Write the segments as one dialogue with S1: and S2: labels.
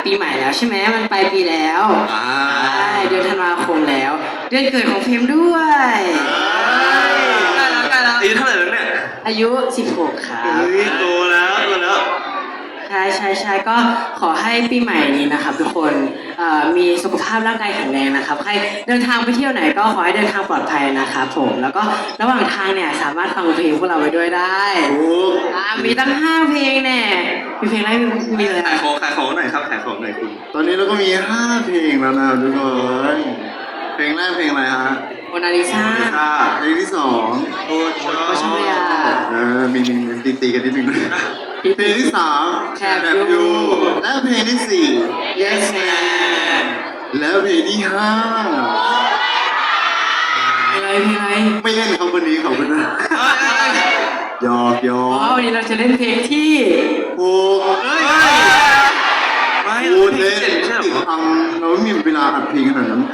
S1: ปีใหม่แล้วใช่ไหมมันปลายปีแล้วใช่เดือนธันวาคมแล้ว เดือนเกิดของเพมด้วย
S2: ใกล้แล้วอายุเท่าไหร่แล้วเนี่ย
S1: อายุ 16 ครับ
S2: โตแล้ว
S1: ใช่ก็ขอให้ปีใหม่นี้นะครับทุกคนมีสุขภาพร่างกายแข็งแรงนะครับใครเดินทางไปเที่ยวไหนก็ขอให้เดินทางปลอดภัยนะครับผมแล้วก็ระหว่างทางเนี่ยสามารถฟังเพลงพวกเราไปด้วยได้มีตั้ง5เพลงแน่มีเพลงอะไรมีเลย
S2: ขายของหน่อยครับขายของหน่อยคุณ
S3: ตอนนี้เราก็มี5เพลงแล้วนะทุกคนเพลงแรกเพลงอะไรฮะ
S1: โมนาลิซา
S3: เพลงที่2
S1: โอ้ชอบเลยอ่ะ
S3: มีตีกันนิดนึงด้วยเพลงที่3
S1: แคบยู
S3: และเพลงที่4
S1: Yes Man
S3: แล้วเพลงที่5
S1: เพลงอะไร
S3: ไม่เล่นครับวันนี้ขอบคุณนะหยอก
S1: วันนี้เราจะเล่นเพลงที่
S3: พูดเล่นติดฟังเราไม่มีเวลาอัดเพลงขนาดนั้น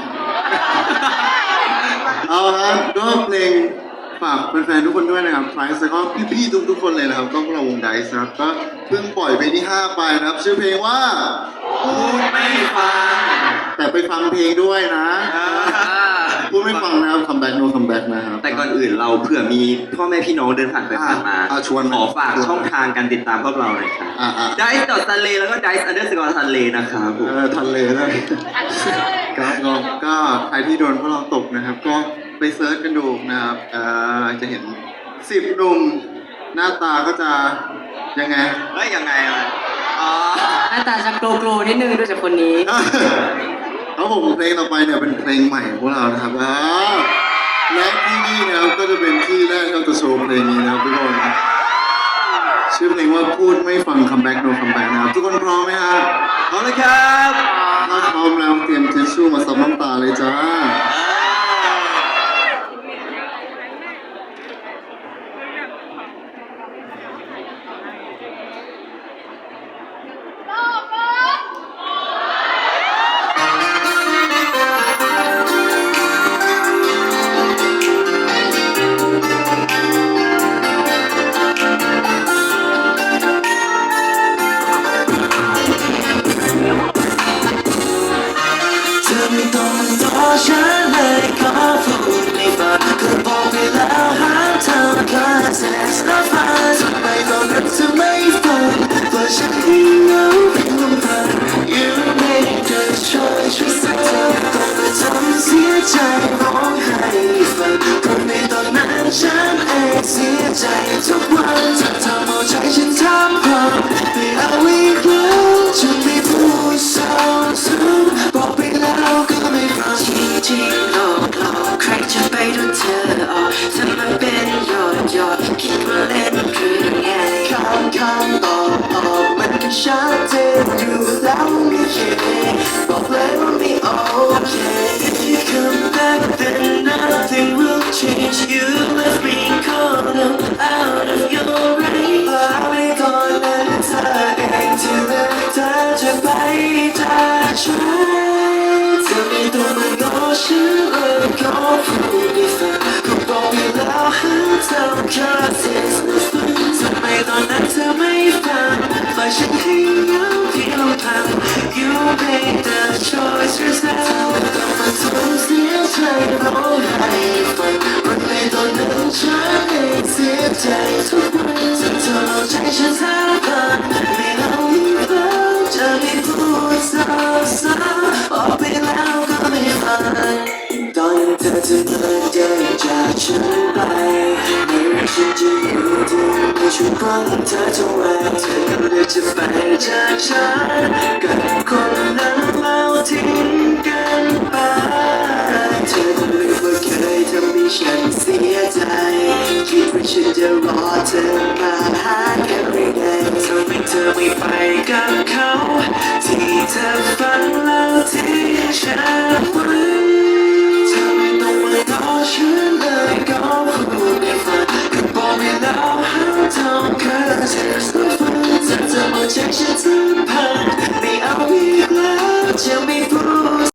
S3: เอาครับก็เพลงฝากแฟนๆทุกคนด้วยนะครับไพรส์แล้วก็พี่ๆทุกคนเลยนะครับก็พวกเราวงไดซ์นะครับก็เพิ่งปล่อยเพลงที่5ไปนะครับชื่อเพลงว่า
S2: พูดไม่ฟัง
S3: แต่ไปฟังเพลงด้วยนะพูดไม่ฟังนะครับคัมแบ็กโนคัมแบ็กนะครับ
S2: แต่ก่อนอื่นเราเผื่อมีพ่อแม่พี่น้องเดินผ่านไปผ่านมา
S3: ชวน
S2: ขอฝากช่องทางการติดตามพวกเราหน่อยครับdice.sunlay แล้วก็ dice_sunlay นะครับ
S3: ทันเลยนะครับก็ใครที่โดนพวกเราตกนะครับก็ไปเซิร์ชกันดูนะครับจะเห็น10หนุ่มหน้าตาก็จะยังไง
S2: ยังไง
S1: หน้าตาจะโกลนิดนึงด้วยจากคนนี้
S3: ครับผมเพลงต่อไปเนี่ยเป็นเพลงใหม่ของพวกเรานะครับและที่นี่นะครับก็จะเป็นที่แรกที่เราจะโชว์เพลงนี้นะครับทุกคนชื่อเพลงว่าพูดไม่ฟังคัมแบ็กโนคัมแบ็กนะครับทุกคนพร้อมไหมครับ
S2: พร้อมเลยครับ
S3: ถ้าพร้อมแล้วเตรียมทิชชู่มาซับน้ำตาเลยจ้า
S4: ฉันเลยขอพูดในฝันก็บอกไปแล้วหาเธอแค่เซ็กซ์และฝันทำไมตอนนั้นเธอไม่ฟังว่าฉันให้เหงาเพียงลำพัง You made the choice เธอต้องมาทำเสียใจร้องไห้ฟังก็ในตอนนั้นฉันเองเสียใจทุกวันเธอทำเอาใจฉันทำพังไม่เอาอีกแล้วฉันไม่พูดซ้ำบอกไปแล้วก็ไม่ฟังจริงหลอกใครจะไปโดนเธอออกถ้ามันเป็นหยอดคิดว่าเล่นหรือไงคำตอบมันก็ชัดเจนอยู่แล้วไม่เคบอกเลยว่าไม่โอเค If you come back then nothing will change You left me caught up out of your range ไม่ก่อนนั้นเธอเองที่เลือกเธอจะไปจากฉันเธอไม่ต้องมาง้อฉันเลยขอพูดให้ฟังก็บอกไปแล้วหาเธอแค่เสียงฝันทำไมตอนนั้นเธอไม่ฟังฝ่ายฉันให้เหงาเพียงลำพัง You made the choice yourself ไม่ต้องมาทำเสียใจร้องไห้ฟังวันในตอนนั้นฉันเองเสียใจทุกวันเธอเอาใจฉันทั้งพันไม่เอาอีกแล้วจะไม่พูดซ้ำบอกไปแล้วก็ไม่ฟังตอนเธอจะเดินจากฉันไปไม่ว่าฉันจะอยู่ที่ในช่วงของเธอจะไว้เธอก็เลือกจะไปจากฉันกับคนนั้นแล้วทิ้งกันไปเธอก็ลืมว่าเคยทำให้ฉันเสียใจคิดว่าฉันจะรอเธอมาหา every day ทำไมเธอไม่ไปกับเขาที่เธอฝันแล้วทิ้งฉันไว้